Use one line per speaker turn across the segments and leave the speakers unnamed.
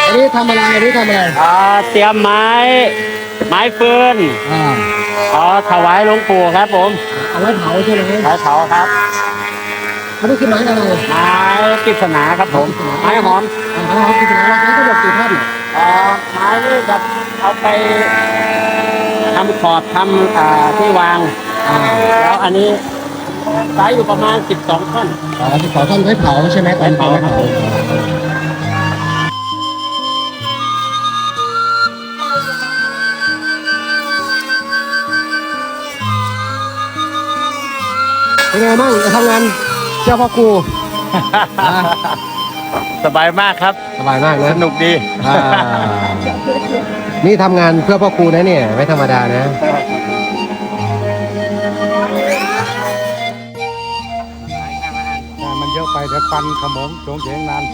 อันนี้ทำอะไรอันนี้ทำอะไร
เตรียมไม้ฟืนถวายหลวงปู่ครับผม
เอาไว้เผาใช่ไหม
ไม้เผาครับ
อันนี้คือไม้อะไร
ไม้กฤษณาครับผมไม้หอม
ไม้หอมกฤษณาเราใช้ทั้งหมดกี่ท่อน
ไม้นี่แบบเอาไปทำขอบทำที่วางแล้วอันนี้ใช้อยู่ประมาณ12 ท่อน
12 ท่อนไว้เผาใช่ไหม
ไว้เผาครับ
เป็นไงบ้างจะทำงานเจ้าพ่อครู
สบายมากครับ
สบายมากนะ
สนุกดี
นี่ทำงานเพื่อพ่อครูนะเนี่ยไม่ธรรมดานะ
มันเยอะไปเดี๋ยวควันขโมงโฉงเฉงนาน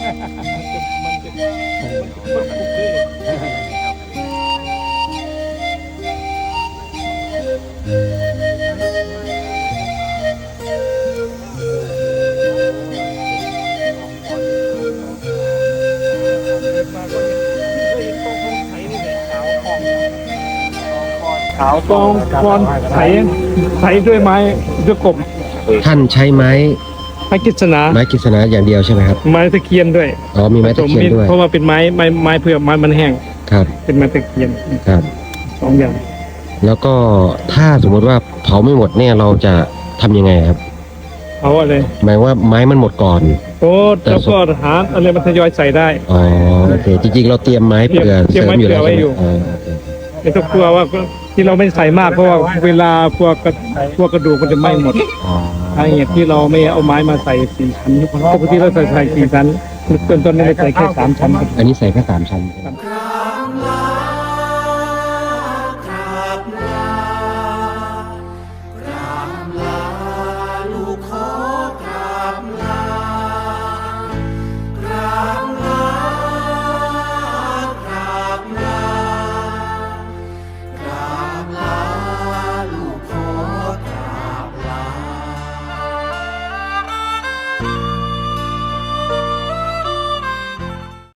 ขาว
กองกอนไถด้วยไม้ด้วยกบ
ท่านใช้ไม้
กฤษณา
อย่างเดียวใช่ไหมครับ
ไม้ตะเคียนด้วย
มีไม้ตะเคียนด้วย
เพราะว่าเป็นไม้เพื่อไม้มันแห้ง
ครับ
เป็นไม้ตะเคียน
ครับ
2 อย่าง
แล้วก็ถ้าสมมติว่าเผาไม่หมดเนี่ยเราจะทำยังไงครับ
เผาอะไร
หมายว่าไม้มันหมดก่อน
แล้วก็หาอะไรมันทยอยใส่ได้
โอเคจริงๆเราเตรียมไม้เผื่อเสริมอยู่แล้ว
ไม่ต้องกลัวว่าที่เราไม่ใส่มากเพราะว่าเวลาพวกกระดูกมันจะไหม้หมดสาเหตุที่เราไม่เอาไม้มาใส่4 ชั้นปกติเราใส่4 ชั้นต้นนี้ใส่แค่3 ชั้น
อันนี้ใส่แค่3 ชั้น